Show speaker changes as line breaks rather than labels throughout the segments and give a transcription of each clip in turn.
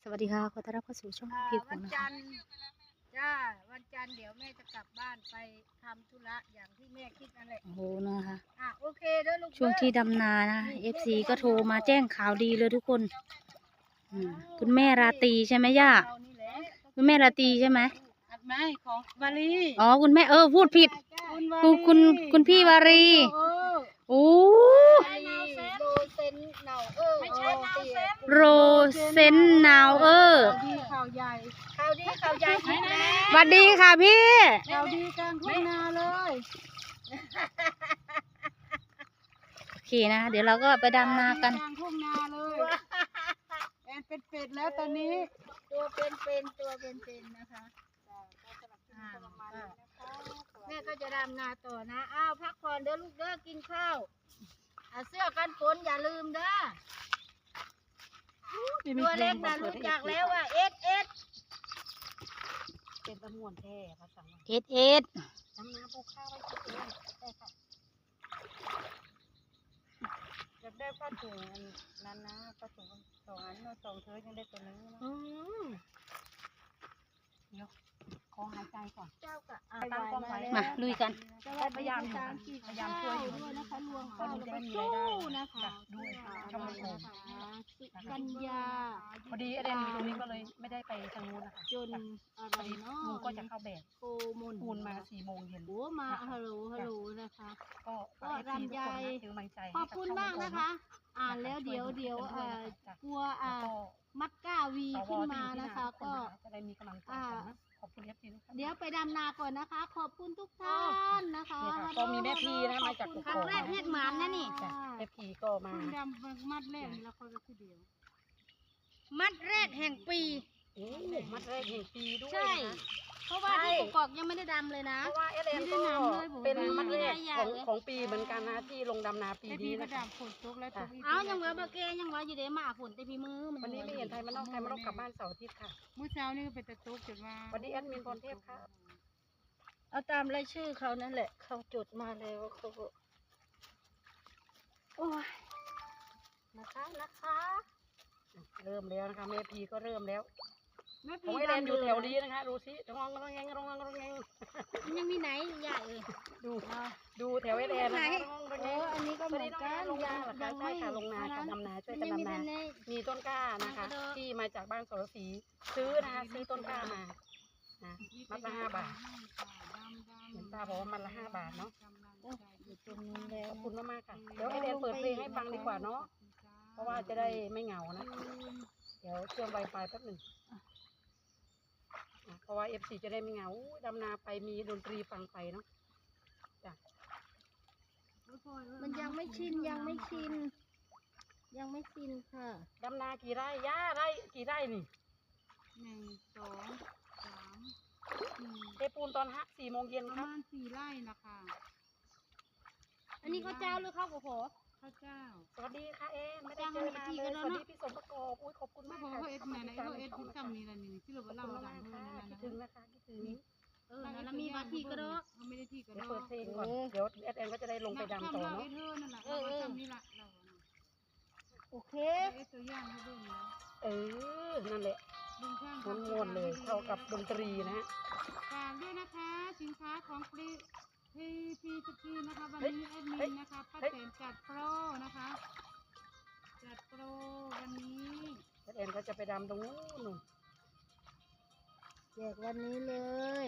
สวัสดีค่ะขอต้อนรับเข้าสู่ช่องพี่ฝ
วัน น
นะ
จั
คะ
นทร์จ้าวันจันทร์เดี๋ยวแม่จะกลับบ้านไปทำธุระอย่างที่แม่คิดนั่นแหละ
โอ้โหนะคะ
โอเคเด้อลูก
ช่วงที่
เด้อ
ดำนานะ FC ก็โทรมาแจ้งข่าวดีเลยทุกคนคุณแม่ราตรีใช่ไหมย่า
เรานี่แหละ
คุณแม่ราตรีใช่ไหม
อัดไม้ของวารี
อ๋อคุณแม่พูดผิด คุณพี่วารีโอ้
วารีโรเซนเนาไม่ใช่เนาเซน
โรเซนนาว
ข่าวใหญ่ข่าวดีข่าวใหญ่ที่แล้ว
สวัสดีค่ะพี่
ข่าวดีกลางทุ่งนาเลย
โอเคนะเดี๋ยวเราก็ไปดำนากัน
กลางทุ่งนาเลยแอนเป็นเป็ดแล้วตอนนี้ตัวเป็นนะคะแม่ก็จะดำนาต่อนะพักผ่อนเด้อลูกเด้อกินข้าวเสื้อกันฝนอย่าลืมเด้อตัวเล็กนะรู้จักแล้วว่าเอสเป็นตะมวนแท้ภาษา
เอ็ด
ดำนาปลูกข้าวไว้กินเองได้ค่ะอยากได้ผ้าถุงนั้นนะผ้าถุง2 อัน2 เธอยังได้ตัวนึงนะเดี๋ยวขอหายใจก่อนเจ้าก็ตั้งกล้องไว้
มาลุยกัน
พยายามช่วยอยู่นะคะรวมข้าวแล้วก็สู้นะคะด้วยช่องโมกัญญาพอดีเรนอยู่ตรงนี้ก็เลยไม่ได้ไปทางนู้นนะคะจนอะไรเนาะลุงก็จะเข้าแบบโกมนปูนมา4 โมงเย็นโอ้มาฮัลโหลนะคะก็รำใจขอบคุณมากนะคะอ่านแล้วเดี๋ยวกลัวมัดก้าวีขึ้นมานะคะก็จะได้มีกำลังใจขอบคุณเดี๋ยวไปดำนาก่อนนะคะขอบคุณทุกท่านนะคะก็มีแม่พีนะมาจากครั้งแรกเฮ็ดหมานนะนี่แม่พีก็มาดำมัดแรกแล้วก็คือเดียวมัดแรกแห่งปีมัดแรกแห่งปีด้วยใช่เพราะว่าที่กอกยังไม่ได้ดำเลยนะเพราะว่าเอเลนก็เป็นมัดแรกของปีเหมือนกันนะที่ลงดำนาปีนี้นะคะฝนตกแล้วยังเหลือบะเกยังว่าอยู่เดมาฝนแต่พี่มือวันนี้ไม่เห็นไทยมันนอกกลับบ้านเสาร์อาทิตย์ค่ะเมื่อเช้านี่เป็นตะตุกจดว่าวันนี้แอดมินพรเทพค่ะเอาตามรายชื่อเขานั่นแหละเขาจดมาแล้วเขาโอ้ยนะคะเริ่มแล้วนะคะแม่พีก็เริ่มแล้วของไอแดนอยู่แถวนี้นะคะดูสิร้องยังมีไหนใหญ่เลยดูแถวไอแดนนะอันนี้ก็เหมือนกันลงนาใช่ค่ะลงนากับดำนาช่วยกันดำนามีต้นกล้านะคะที่มาจากบ้านสรศรีซื้อนะคะซื้อต้นกล้ามามัดละ5 บาทเห็นป้าบอกว่ามัดละ5 บาทเนาะขอบคุณมากๆค่ะเดี๋ยวไอแดนเปิดเพลงให้ฟังดีกว่าเนาะเพราะว่าจะได้ไม่เหงานะเดี๋ยวเชื่อมไวไฟแป๊บหนึ่งเพราะว่า FC จะได้ไม่เหงาดำนาไปมีดนตรีฟังไปเนาะจ้ะมันยังไม่ชินค่ะดำนากี่ไร่ย่าไร่กี่ไร่นี่1 2 3 เทปูนตอน4 โมงเย็นครับประมาณ4 ไร่นะคะอันนี้ข้าวเจ้าหรือข้าวโพดข้าวเจ้าสวัสดีค่ะไม่ได้เจอนานเลยสวัสดีพี่สมประกอบอุ้ยขอบคุณมากค่ะเอ็ดมาในเอ็ดที่ทำนี่ละนี่ที่เราเล่าดังคิดถึงนะคะคิดถึงแล้วมีบาทีก็ได้ไม่ได้ที่ก็ได้เปิดเพลงก่อนเดี๋ยวเอ็ดก็จะได้ลงไปดำต่อเนาะโอเคนั่นแหละม้วนเลยเข้ากับดนตรีนะฝากด้วยนะคะสินค้าของพีสกีนะคะวันนี้แอดมินนะคะป้าแตนจัดโปรนะคะจัดโปรวันนี้ป้าแตนก็จะไปดำตรงนู้นแจกวันนี้เลย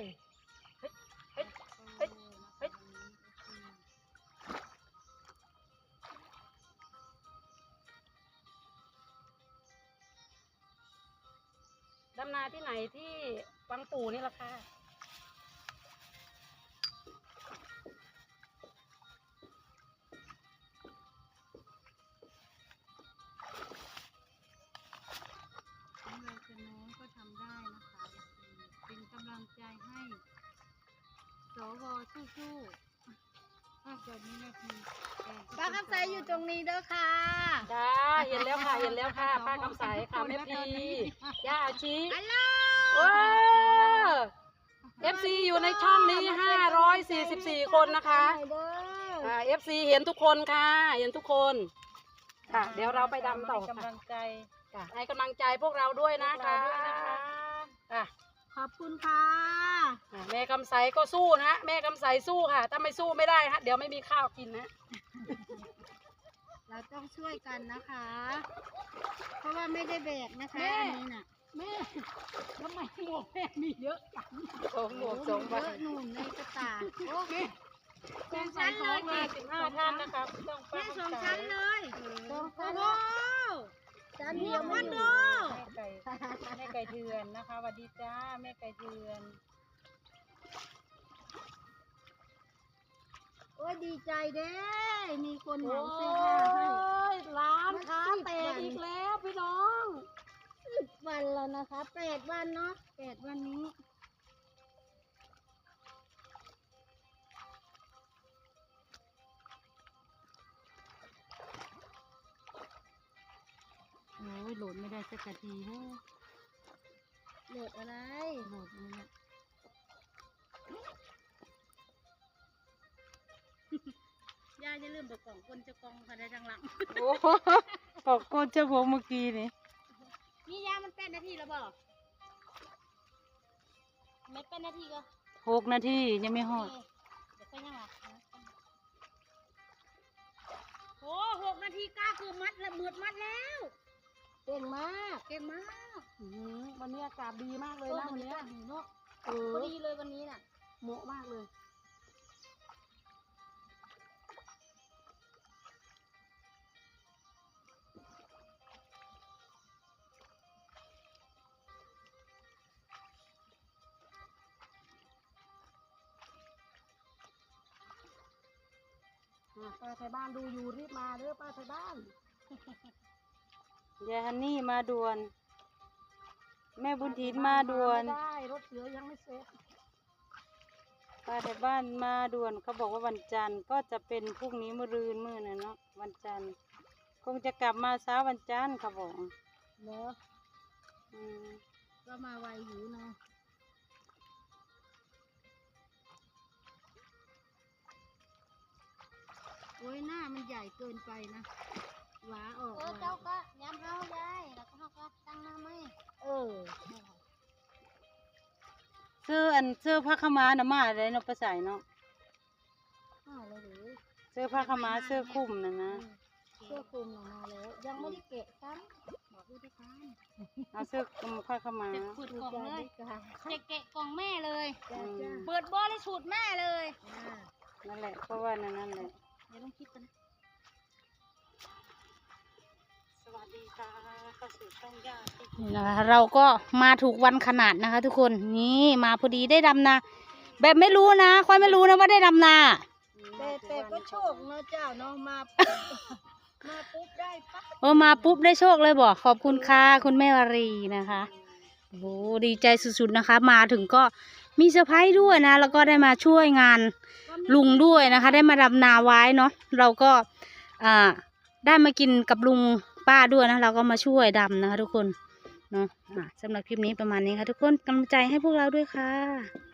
ดำนาที่ไหนที่วังปู่นี่ล่ะค่ะน้องก็ทำได้นะคะเป็นกำลังใจให้สวสู้ๆแบบนี้นะพี่ป้าคำใสอยู่ตรงนี้เด้อค่ะจ้าเห็นแล้วค่ะป้าคำใสค่ะแม่พีย่าอาชีฮัลโหลFC อยู่ในช่องนี้544 คนนะคะFC เห็นทุกคนค่ะเห็นทุกคนค่ะเดี๋ยวเราไปดำต่อค่ะ
ให้กำลังใจพวกเราด้วยนะคะอ่ะ
ขอบคุณค่ะ
แม่กำไสก็สู้นะแม่กำไสสู้ค่ะถ้าไม่สู้ไม่ได้ฮะเดี๋ยวไม่มีข้าวกินนะ
เราต้องช่วยกันนะคะ เพราะว่าไม่ได้แบกนะคะอันนี้น่ะ
แม่ทำไมหมวกแม่มีเยอะจังหมวก
เยอะหนุนในกระตาโอ้แม่สองชั้นเลย
15 ท่านนะครับต้อง
แม่สองชั้นเลยโอ้โหชั้นเดียวมันโด
แม่ไก่เถื่อนนะคะสวัสดีจ้าแม่ไก่เถื่อน
โอ้ยดีใจเด้มีคนเหมาซื้อผ้าให้
ร้านค้าแตกอีกแล้วพี่น้อง
10 วันแล้วนะคะ8 วันเนาะ8 วันนี้โอ้ยโหลดไม่ได้สักทีฮะโหลดอะไรโหลดนี่แหละย่าอย่าลืมบอกกล่องคนจะกองค่ะได้ทางหลัง
โอ้ปอกก้นเจ้าผมเมื่อกี้นี่
นี่ยามันเป็นนาทีแล้วบอกไม่เป็นนาทีก็
6 นาทียังไม่ฮอด
เดี๋ยวไปยังไงโอ้6 นาทีก้าคือมัดแล้วมืดมัดแล้วเก่งมากเก่งมาก
วันนี้อากาศดีมากเลยนะวันนี้
ดีเนาะพอดีเลยวันนี้น่ะ
เหมาะมากเลยป้าไทยบ้านดูอยู่รีบมาเด้อป้าไทยบ้านยายฮันนี่มาด่วน แม่บุญถินมาด่วนไม่ได้รถเสือยังไม่เสร็จป้าไทยบ้านมาด่วนเขาบอกว่าวันจันทร์ก็จะเป็นพรุ่งนี้มื้อรืนมื้อน่ะเนาะวันจันทร์คงจะกลับมาเช้าวันจันทร์เขาบอก
เนาะ
อืม
ก็มาไวอยู่เนาะโอ้ยหน้ามันใหญ่เกินไปนะหวาออกเจ้าก็ย้ำเขายายแล้วก็เขาก็ตั้งหน้าไม่
เสื้อผ้าขาวม้าน่ะมาอะไรเนาะประสายเนาะ
เลยหรือ
เสื้อผ้าขาวม้าเสื้อคลุมน่ะนะ
เสื้อคลุมออกมาแล้วยังไม่ได้เกะซ้ำบอกผู้จัดการ
เอาเสื้อคลุมผ้าขาวม้า
จะขุดกล่องเลยจะเกะกล่องแม่เลย
อืม
เปิดบอลเลยสูตรแม่เลย
นั่นแหละเพราะว่านั่นแหละ
เดี๋ยวต้องคิดกัน
สวัสดีค่ะเข้าสู่ช่องย่าที่
นี่นะคะเราก็มาถูกวันขนาดนะคะ ทุกคนนี่มาพอดีได้ดำนาแบบไม่รู้นะค่อยไม่รู้นะว่าได้ดำนา
แต่ก็โชคเนาะเจ้าเนาะมาปุ๊บได้ปั๊บ
มาปุ๊บได้โชคเลยบอกขอบคุณค่ะคุณแม่วารีนะคะโอ้โหดีใจสุดๆนะคะ มาถึงก็มีเซอร์ไพรส์ด้วยนะแล้วก็ได้มาช่วยงานลุงด้วยนะคะ ได้มาดำนาไว้เนาะเราก็ได้มากินกับลุงป้าด้วยนะเราก็มาช่วยดำนะคะทุกคนเนาะสำหรับคลิปนี้ประมาณนี้ค่ะทุกคนกำลังใจให้พวกเราด้วยค่ะ